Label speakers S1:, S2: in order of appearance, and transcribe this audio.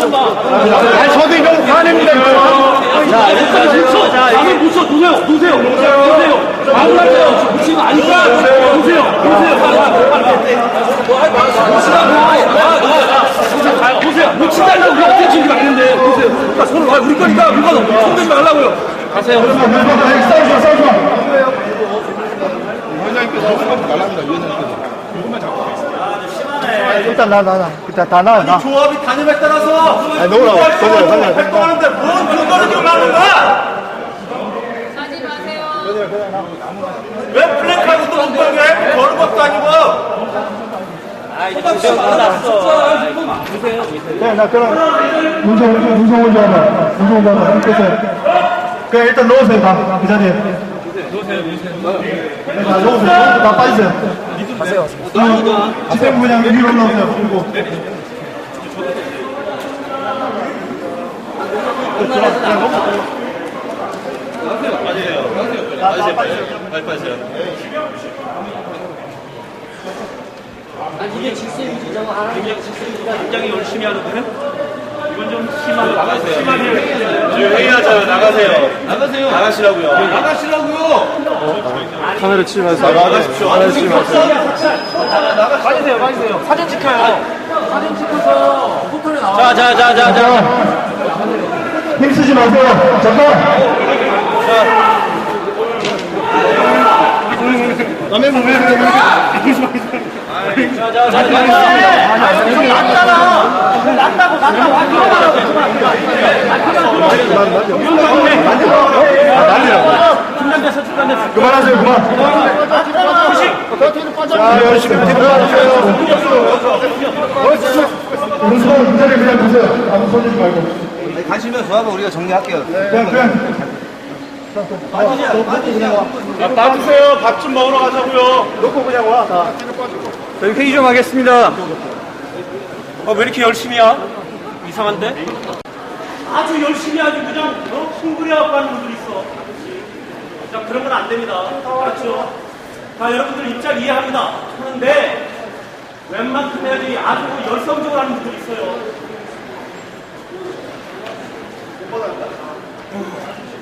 S1: 아니, 저도 이거 화냅니다. 자, 일단 붙여. 자, 이게 붙여. 놓으세요. 마음가세요. 붙이는 거 아니까. 놓으세요. 보세요. 놓친다고 우리가 어떻게 지금 가는데. 보세요. 그러니까 손을 와. 우리 거니까 누가 손대지 말라고요. 가세요. 싸우지 마. 위원장님께서 수업 달랍니다. 위원장님께서. 이것만 잡고.
S2: 일단 일단 다 나와.
S1: 조합이 단임에 따라서.
S2: 아니, 놓으라고.
S1: 활동하는데 뭔 근거를 지금 하는 거야?
S3: 하지 마세요.
S1: 왜 플랜카드 또 엉뚱하게 거는 것도 아니고.
S2: 네, 나 그럼 문성 먼저 하자. 끝에. 그냥 일단 넣으세요. 다 그 자리에. 넣으세요. 다 넣으세요. 다 빠지세요. 가세요. 지세부 그냥 위로 올라오세요. 그리고.
S1: 빠지세요.
S4: 이게 질서 유지자가 하는 게 질서 유지가
S1: 굉장히 열심히 하는데 이건 좀 심하게 회의하잖아요. 나가시라고요.
S2: 카메라 치지 마세요.
S1: 나가십시오.
S4: 빠지세요. 사진 찍혀요. 사진 찍어서 포털에 나와.
S1: 자.
S2: 힘쓰지 마세요. 잠깐. 남의 몸에 그만하세요. 그만. 자, 열심히 들어가세요. 문수방 문자를 그냥 보세요. 아무 손대지 말고.
S5: 가시면 조합은 우리가 정리할게요.
S2: 그냥.
S1: 빠지세요. 밥 좀 먹으러 가자고요.
S2: 놓고 그냥 와.
S1: 저희 회의 좀 하겠습니다. 왜 이렇게 열심히 하? 이상한데? 아주 열심히 하지 그냥 흥분해갖고 하는 분들 있어. 자, 그런 건 안 됩니다. 그렇죠? 자, 여러분들 입장 이해합니다. 하는데 웬만큼 해야지 아주 열성적으로 하는 분들 있어요.